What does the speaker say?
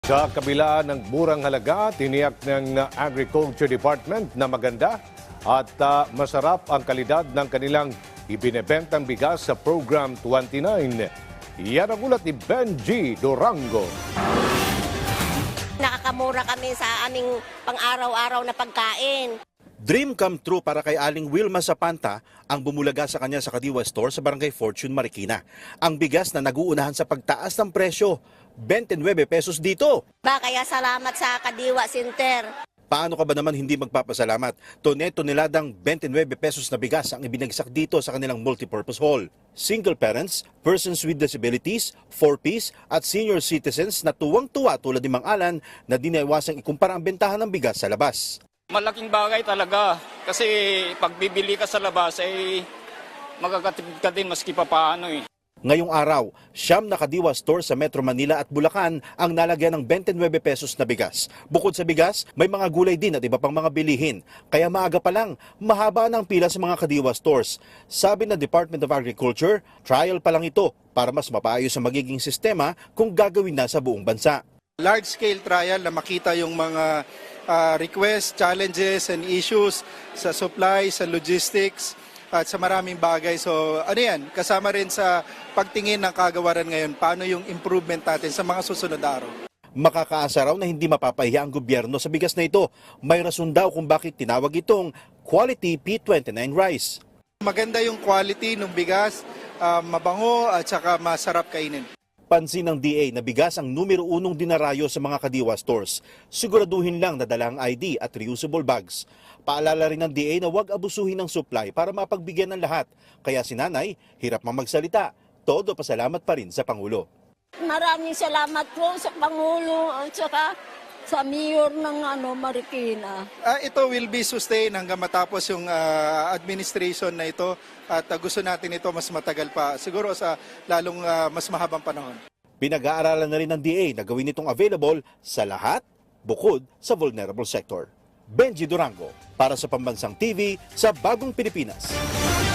Sa kabila ng murang halaga, tiniyak ng Agriculture Department na maganda at masarap ang kalidad ng kanilang ibinebentang bigas sa Program 29. Yan ang ulat ni Benji Durango. Nakakamura kami sa aming pang-araw-araw na pagkain. Dream come true para kay Aling Wilma Sapanta ang bumulaga sa kanya sa Kadiwa Store sa Barangay Fortune, Marikina. Ang bigas na naguunahan sa pagtaas ng presyo, 29 pesos dito. Kaya salamat sa Kadiwa Center. Paano ka ba naman hindi magpapasalamat? Tonel-toneladang 29 pesos na bigas ang ibinagsak dito sa kanilang multipurpose hall. Single parents, persons with disabilities, 4Ps at senior citizens na tuwang-tuwa tulad ni Mang Alan na dinaiwasang ikumpara ang bentahan ng bigas sa labas. Malaking bagay talaga kasi pag bibili ka sa labas ay magkakatipid ka din maski papaano eh. Ngayong araw, 9 na Kadiwa Store sa Metro Manila at Bulacan ang nalagyan ng 29 pesos na bigas. Bukod sa bigas, may mga gulay din at iba pang mga bilihin. Kaya maaga pa lang, mahaba ng pila sa mga Kadiwa Stores. Sabi ng Department of Agriculture, trial pa lang ito para mas mapaayos ang magiging sistema kung gagawin na sa buong bansa. Large-scale trial na makita yung mga requests, challenges and issues sa supply, sa logistics at sa maraming bagay. So ano yan, kasama rin sa pagtingin ng kagawaran ngayon, paano yung improvement natin sa mga susunod na araw. Makakaasa raw na hindi mapapahiya ang gobyerno sa bigas na ito. May rason daw kung bakit tinawag itong Quality P29 Rice. Maganda yung quality ng bigas, mabango at saka masarap kainin. Pansin ng DA na bigas ang numero 1 dinarayo sa mga Kadiwa stores. Siguraduhin lang na dala ang ID at reusable bags. Paalala rin ng DA na huwag abusuhin ng supply para mapagbigyan ng lahat. Kaya si Nanay, hirap mang magsalita. Todo pasalamat pa rin sa Pangulo. Maraming salamat po sa Pangulo at saka sa Mayor ng Marikina. Ito will be sustained hanggang matapos yung administration na ito at gusto natin ito mas matagal pa, siguro sa lalong mas mahabang panahon. Pinag-aaralan na rin ng DA na gawin itong available sa lahat, bukod sa vulnerable sector. Benji Durango, para sa Pambansang TV sa Bagong Pilipinas.